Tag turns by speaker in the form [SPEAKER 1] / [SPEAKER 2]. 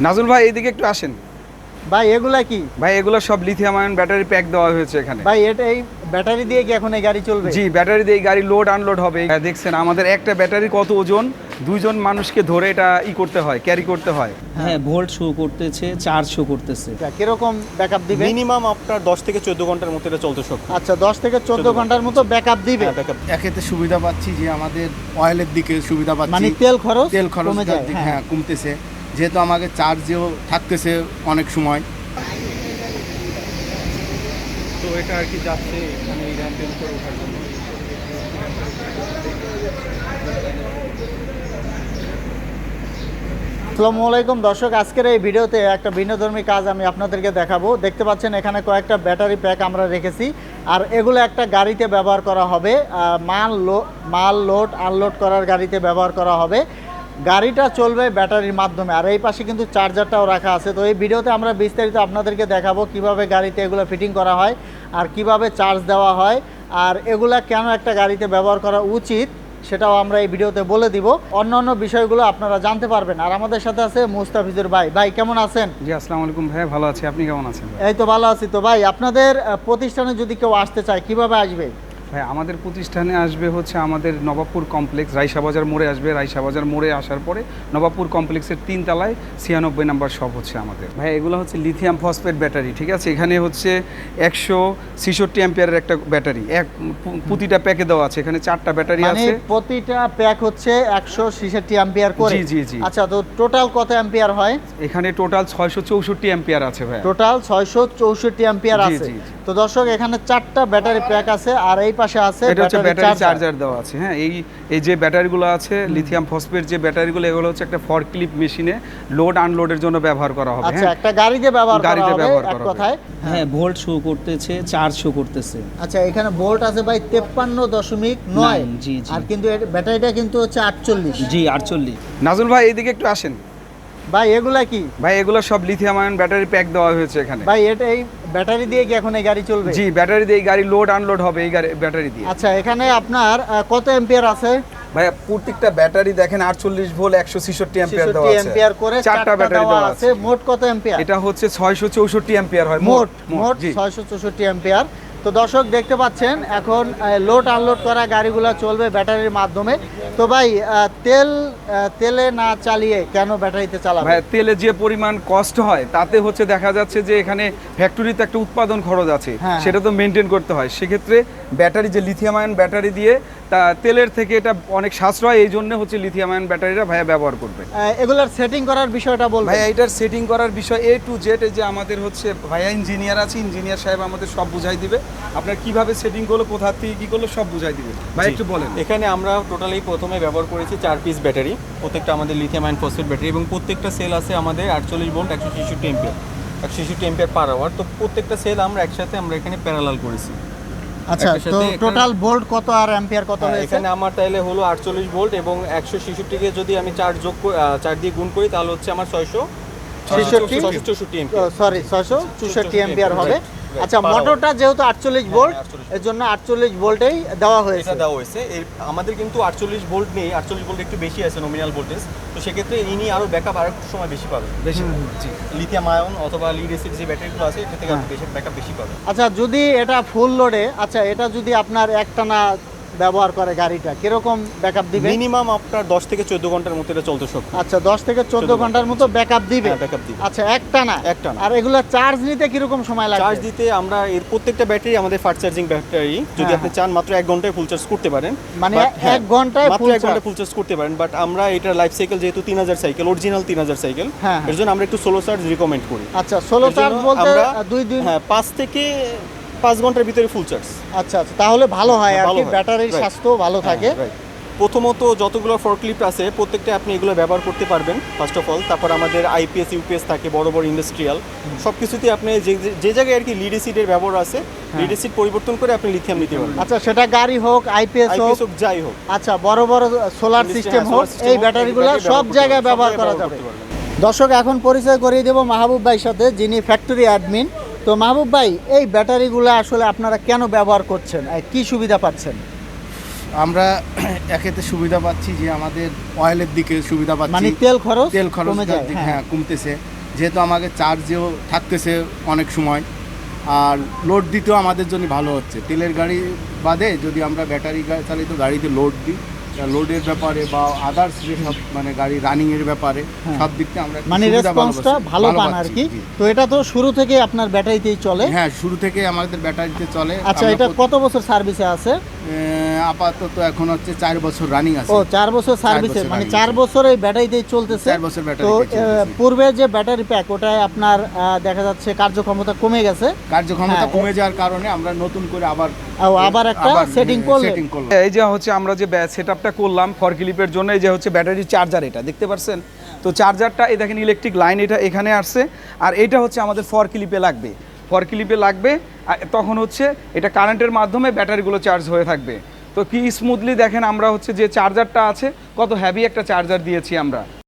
[SPEAKER 1] নাজুল ভাই এইদিকে একটু আসেন।
[SPEAKER 2] ভাই এগুলা কি?
[SPEAKER 1] ভাই এগুলো সব লিথিয়াম আয়ন ব্যাটারি প্যাক দেওয়া হয়েছে এখানে।
[SPEAKER 2] ভাই এটা এই ব্যাটারি দিয়ে কি এখন এই গাড়ি চলবে?
[SPEAKER 1] জি, ব্যাটারি দিয়ে এই গাড়ি লোড আনলোড হবে। দেখছেন আমাদের একটা ব্যাটারি কত ওজন, দুইজন মানুষকে ধরে এটা করতে হয়, ক্যারি করতে হয়।
[SPEAKER 3] হ্যাঁ, ভোল্ট শো করতেছে, চার্জ শো করতেছে।
[SPEAKER 2] কিরকম ব্যাকআপ দিবে?
[SPEAKER 4] মিনিমাম আপনার 10 থেকে 14 ঘন্টার মধ্যে এটা চলতে সক্ষম।
[SPEAKER 2] আচ্ছা, 10 থেকে 14 ঘন্টার মতো ব্যাকআপ দিবে।
[SPEAKER 4] ব্যাকআপ
[SPEAKER 5] একেতে সুবিধা পাচ্ছি যে আমাদের অয়েলের দিকে সুবিধা পাচ্ছি,
[SPEAKER 2] মানে তেল খরচ
[SPEAKER 5] কমে যায়, হ্যাঁ কমতেছে, যেহেতু আমাকে চার্জেও থাকতেছে অনেক সময়।
[SPEAKER 4] তো এটা আর কি যাচ্ছে এখানে এই র্যাম্পের উপরে ওঠার জন্য।
[SPEAKER 2] আসসালামু আলাইকুম দর্শক, আজকের এই ভিডিওতে একটা ভিন্নধর্মী কাজ আমি আপনাদেরকে দেখাবো। দেখতে পাচ্ছেন এখানে কয়েকটা ব্যাটারি প্যাক আমরা রেখেছি, আর এগুলো একটা গাড়িতে ব্যবহার করা হবে, মাল লোড আনলোড করার গাড়িতে ব্যবহার করা হবে। গাড়িটা চলবে ব্যাটারির মাধ্যমে, আর এই পাশে কিন্তু চার্জারটাও রাখা আছে। তো এই ভিডিওতে আমরা বিস্তারিত আপনাদেরকে দেখাবো কিভাবে গাড়িতে এগুলো ফিটিং করা হয় আর কিভাবে চার্জ দেওয়া হয়, আর এগুলা কেন একটা গাড়িতে ব্যবহার করা উচিত সেটাও আমরা এই ভিডিওতে বলে দিব। অন্যান্য বিষয়গুলো আপনারা জানতে পারবেন। আর আমাদের সাথে আছে মুস্তাফিজুর ভাই। ভাই কেমন আছেন?
[SPEAKER 1] জি, আসসালামু আলাইকুম ভাই, ভালো আছি। আপনি কেমন আছেন?
[SPEAKER 2] এই তো ভালো আছি। তো ভাই আপনাদের প্রতিষ্ঠানে যদি কেউ আসতে চায় কিভাবে আসবে?
[SPEAKER 1] ভাই আমাদের প্রতিষ্ঠানে আসবে হচ্ছে আমাদের নবাবপুর কমপ্লেক্স, রাইসাবাজার মোড়ে আসবে। রাইসাবাজার মোড়ে আসার পরে নবাবপুর কমপ্লেক্সের 3 তলায় 96 নাম্বার শপ হচ্ছে আমাদের। ভাই এগুলো হচ্ছে লিথিয়াম ফসফেট ব্যাটারি, ঠিক আছে? এখানে হচ্ছে 166 অ্যাম্পিয়ারের একটা ব্যাটারি, প্রতিটা প্যাকে দেওয়া আছে। এখানে 4টা ব্যাটারি আছে,
[SPEAKER 2] প্রতিটা প্যাক হচ্ছে 166 অ্যাম্পিয়ার করে।
[SPEAKER 1] জি জি জি।
[SPEAKER 2] আচ্ছা, তো টোটাল কত অ্যাম্পিয়ার হয়?
[SPEAKER 1] এখানে টোটাল 664 অ্যাম্পিয়ার আছে ভাই।
[SPEAKER 2] টোটাল 664 অ্যাম্পিয়ার
[SPEAKER 1] জি,
[SPEAKER 2] আছে।
[SPEAKER 1] জি, জি।
[SPEAKER 2] তো দর্শক এখানে 4টা ব্যাটারি প্যাক আছে, আর এই পাশে আছে
[SPEAKER 1] এটা হচ্ছে ব্যাটারি চার্জার দেওয়া আছে। হ্যাঁ, এই যে ব্যাটারিগুলো আছে লিথিয়াম ফসফেট যে ব্যাটারিগুলো, এগুলো হচ্ছে একটা ফর ক্লিপ মেশিনে লোড আনলোডের জন্য ব্যবহার করা হবে।
[SPEAKER 2] আচ্ছা, একটা গাড়িতে ব্যবহার করা হবে এক কথায়।
[SPEAKER 3] হ্যাঁ, ভোল্ট শো করতেছে, চার্জ শো করতেছে।
[SPEAKER 2] আচ্ছা, এখানে ভোল্ট আছে ভাই 53.9।
[SPEAKER 3] জি জি।
[SPEAKER 2] আর কিন্তু ব্যাটারিটা কিন্তু হচ্ছে 48।
[SPEAKER 3] জি 48।
[SPEAKER 1] নাজুল ভাই এইদিকে একটু আসেন।
[SPEAKER 2] ভাই এগুলা কি?
[SPEAKER 1] ভাই এগুলো সব লিথিয়াম আয়ন ব্যাটারি প্যাক দেওয়া হয়েছে এখানে।
[SPEAKER 2] ভাই এটা এই ব্যাটারি দিয়ে কি এখন এই গাড়ি চলবে?
[SPEAKER 1] জি, ব্যাটারি দিয়ে এই গাড়ি লোড আনলোড হবে এই ব্যাটারি দিয়ে।
[SPEAKER 2] আচ্ছা, এখানে আপনার কত অ্যাম্পিয়ার আছে?
[SPEAKER 1] ভাই প্রত্যেকটা ব্যাটারি দেখেন 48 ভোল্ট 166 অ্যাম্পিয়ার দেওয়া
[SPEAKER 2] 66
[SPEAKER 1] আছে।
[SPEAKER 2] অ্যাম্পিয়ার করে
[SPEAKER 1] 4টা ব্যাটারি দেওয়া আছে।
[SPEAKER 2] মোট কত অ্যাম্পিয়ার?
[SPEAKER 1] এটা হচ্ছে 664 অ্যাম্পিয়ার হয়
[SPEAKER 2] মোট
[SPEAKER 1] জি।
[SPEAKER 2] 664 অ্যাম্পিয়ার। তো দর্শক দেখতে পাচ্ছেন এখন লোড আনলোড করা গাড়িগুলো চলবে ব্যাটারির মাধ্যমে। তো ভাই তেলে না চালিয়ে কেন ব্যাটারিতে চালাবে?
[SPEAKER 1] ভাই তেলে যে পরিমাণ কষ্ট হয় তাতে হচ্ছে দেখা যাচ্ছে যে এখানে ফ্যাক্টরিতে একটা উৎপাদন খরচ আছে,
[SPEAKER 2] হ্যাঁ।
[SPEAKER 1] সেটা তো মেনটেন করতে হয়। সেক্ষেত্রে ব্যাটারি যে লিথিয়াম আয়ন ব্যাটারি দিয়ে তা তেলের থেকে এটা অনেক সাশ্রয়, এই জন্য হচ্ছে লিথিয়াম আয়ন ব্যাটারিটা ভাইয়া ব্যবহার করবে।
[SPEAKER 2] এগুলার সেটিং করার বিষয়টা বলবেন?
[SPEAKER 1] ভাইয়া এটার সেটিং করার বিষয় A to Z, যে আমাদের হচ্ছে ভাইয়া ইঞ্জিনিয়ার আছে, ইঞ্জিনিয়ার সাহেব আমাদের সব বুঝাই দিবে। আপনার কিভাবে সেটিং করলো, কোথা থেকে কি করলো সব বুঝাই দিবে। ভাই একটু বলেন।
[SPEAKER 4] এখানে আমরা টোটালি প্রথমে ব্যবহার করেছি 4 পিস ব্যাটারি, প্রত্যেকটা আমাদের লিথিয়াম আয়ন ফসফেট ব্যাটারি, এবং প্রত্যেকটা সেল আছে আমাদের 48 volt 166 ampere 166 ampere per hour. তো প্রত্যেকটা সেল আমরা একসাথে এখানে প্যারালাল করেছি।
[SPEAKER 2] আচ্ছা, তো টোটাল ভোল্ট কত আর অ্যাম্পিয়ার কত হয়েছে?
[SPEAKER 4] এখানে আমার তাইলে হলো 48 ভোল্ট এবং 166 কে যদি আমি 4 দিয়ে গুণ করি তাহলে হচ্ছে আমার 664 অ্যাম্পিয়ার।
[SPEAKER 2] সরি 664 অ্যাম্পিয়ার হবে। আচ্ছা, মোটরটা যেহেতু 48 ভোল্ট, এর জন্য 48 ভোল্টেই দেওয়া হয়েছে।
[SPEAKER 4] এটা দেওয়া হয়েছে। আমাদের কিন্তু 48 ভোল্ট নেই, 48 ভোল্ট একটু বেশি আছে নমিনাল ভোল্টেজ। তো সেক্ষেত্রে ইনি আরো ব্যাকআপ আর একটু সময় বেশি পাবে, বেশি লিথিয়াম আয়ন অথবা লিড অ্যাসিড যে ব্যাটারিগুলো আছে এটা থেকে বেশি ব্যাকআপ বেশি পাবে।
[SPEAKER 2] আচ্ছা, যদি এটা ফুল লোডে, আচ্ছা এটা যদি আপনার একটানা ব্যবহার করে গাড়িটা কিরকম ব্যাকআপ দিবে?
[SPEAKER 4] মিনিমাম আপনার 10 থেকে 14 ঘন্টার মধ্যে এটা চলতে সক্ষম।
[SPEAKER 2] আচ্ছা, 10 থেকে 14 ঘন্টার মতো ব্যাকআপ দিবে।
[SPEAKER 4] হ্যাঁ, ব্যাকআপ দিবে।
[SPEAKER 2] আচ্ছা, একটানা। আর এগুলা চার্জ নিতে কিরকম সময় লাগবে?
[SPEAKER 4] চার্জ দিতে আমরা এর প্রত্যেকটা ব্যাটারি আমাদের ফাস্ট চার্জিং ব্যাটারি, যদি আপনি চান মাত্র 1 ঘন্টায় ফুল চার্জ করতে পারেন।
[SPEAKER 2] মানে 1 ঘন্টায়
[SPEAKER 4] মাত্র 1 ঘন্টায় ফুল চার্জ করতে পারেন। বাট আমরা এটার লাইফ সাইকেল যেহেতু 3000 সাইকেল, অরিজিনাল 3000 সাইকেল, এর জন্য আমরা একটু সোলো চার্জ রিকমেন্ড করি।
[SPEAKER 2] আচ্ছা, সোলো চার্জ বলতে 2 দিন?
[SPEAKER 4] হ্যাঁ, 5 থেকে 5 ঘন্টার ভিতরে ফুল চার্জ।
[SPEAKER 2] আচ্ছা, তাহলে ভালো হয় আর কি, ব্যাটারির স্বাস্থ্য ভালো থাকে।
[SPEAKER 4] প্রথমত যতগুলো ফরক্লিফট আছে প্রত্যেকটা আপনি এগুলো ব্যবহার করতে পারবেন ফার্স্ট অফ অল। তারপর আমাদের আইপিএস ইউপিএস থাকে, বড় বড় ইন্ডাস্ট্রিয়াল সব কিছুতেই আপনি যে জায়গায় আর কি লিড অ্যাসিডের ব্যবহার আছে, লিড অ্যাসিড পরিবর্তন করে আপনি লিথিয়াম নিতে পারবেন।
[SPEAKER 2] আচ্ছা, সেটা গাড়ি হোক, আইপিএস হোক,
[SPEAKER 4] যাই হোক।
[SPEAKER 2] আচ্ছা, বড় বড় সোলার সিস্টেম হোক, এই ব্যাটারিগুলো সব জায়গায় ব্যবহার করা যাবে। দর্শক, এখন পরিচয় করিয়ে দেব মাহবুব ভাইয়ের সাথে, যিনি ফ্যাক্টরি অ্যাডমিন। তো মাহবুব ভাই, এই ব্যাটারিগুলো আসলে আপনারা কেন ব্যবহার করছেন, কি সুবিধা পাচ্ছেন?
[SPEAKER 5] আমরা একেতে সুবিধা পাচ্ছি যে আমাদের অয়েলের দিকে সুবিধা
[SPEAKER 2] মানে
[SPEAKER 5] পাচ্ছি,
[SPEAKER 2] তেল খরচ
[SPEAKER 5] তেল খরচ
[SPEAKER 2] কমে যায়, হ্যাঁ।
[SPEAKER 5] হ্যাঁ কমতেছে, যেহেতু আমাদের চার্জেও থাকতেছে অনেক সময়, আর লোড দিতেও আমাদের জন্য ভালো হচ্ছে। তেলের গাড়ি বাদে যদি আমরা ব্যাটারি চালিত গাড়িতে লোড দিই, লোডের ব্যাপারে বা আদার্স যে সব মানে গাড়ি রানিংয়ের ব্যাপারে
[SPEAKER 2] হ্যাঁ।
[SPEAKER 5] সব দিক থেকে আমরা একটু
[SPEAKER 2] মানে
[SPEAKER 5] সুবিধা
[SPEAKER 2] রেসপন্সটা ভালো পান আর
[SPEAKER 5] পাচ্ছি,
[SPEAKER 2] কি।
[SPEAKER 5] জি।
[SPEAKER 2] তো এটা তো শুরু থেকে আপনার ব্যাটারিতেই চলে।
[SPEAKER 5] হ্যাঁ, শুরু থেকে আমাদের ব্যাটারিতে চলে।
[SPEAKER 2] আচ্ছা,
[SPEAKER 5] আমরা
[SPEAKER 2] এটা কত বছর সার্ভিসে আছে?
[SPEAKER 5] আপাতত এখন হচ্ছে 4 বছর রানিং আছে।
[SPEAKER 2] ও 4 বছর সার্ভিসে,
[SPEAKER 5] বছর
[SPEAKER 2] মানে
[SPEAKER 5] running
[SPEAKER 2] 4
[SPEAKER 5] আছে।
[SPEAKER 2] বছর এই ব্যাটারিতেই চলতেছে।
[SPEAKER 5] 4 বছর
[SPEAKER 2] তো
[SPEAKER 5] ব্যাটারিতে চলতেছে।
[SPEAKER 2] পূর্বে যে ব্যাটারি প্যাক ওটায় আপনার দেখা যাচ্ছে কার্যক্ষমতা কমে গেছে,
[SPEAKER 5] কার্যক্ষমতা
[SPEAKER 2] হ্যাঁ,
[SPEAKER 5] কমে যাওয়ার কারণে আমরা নতুন করে আবার
[SPEAKER 2] একটা সেটিং করলেন।
[SPEAKER 5] সেটিং করলাম।
[SPEAKER 1] এই যে হচ্ছে আমরা যে সেট আপটা করলাম ফর ক্লিপের জন্য, এই যে হচ্ছে ব্যাটারি চার্জার, এটা দেখতে পাচ্ছেন তো চার্জারটা, এই দেখেন ইলেকট্রিক লাইন এটা এখানে আসছে, আর এটা হচ্ছে আমাদের ফর ক্লিপে লাগবে, ফর ক্লিপে লাগবে, আর তখন হচ্ছে এটা কারেন্টের মাধ্যমে ব্যাটারিগুলো চার্জ হয়ে থাকবে। তো কি স্মুথলি দেখেন আমরা হচ্ছে যে চার্জারটা আছে, কত হ্যাভি একটা চার্জার দিয়েছি আমরা।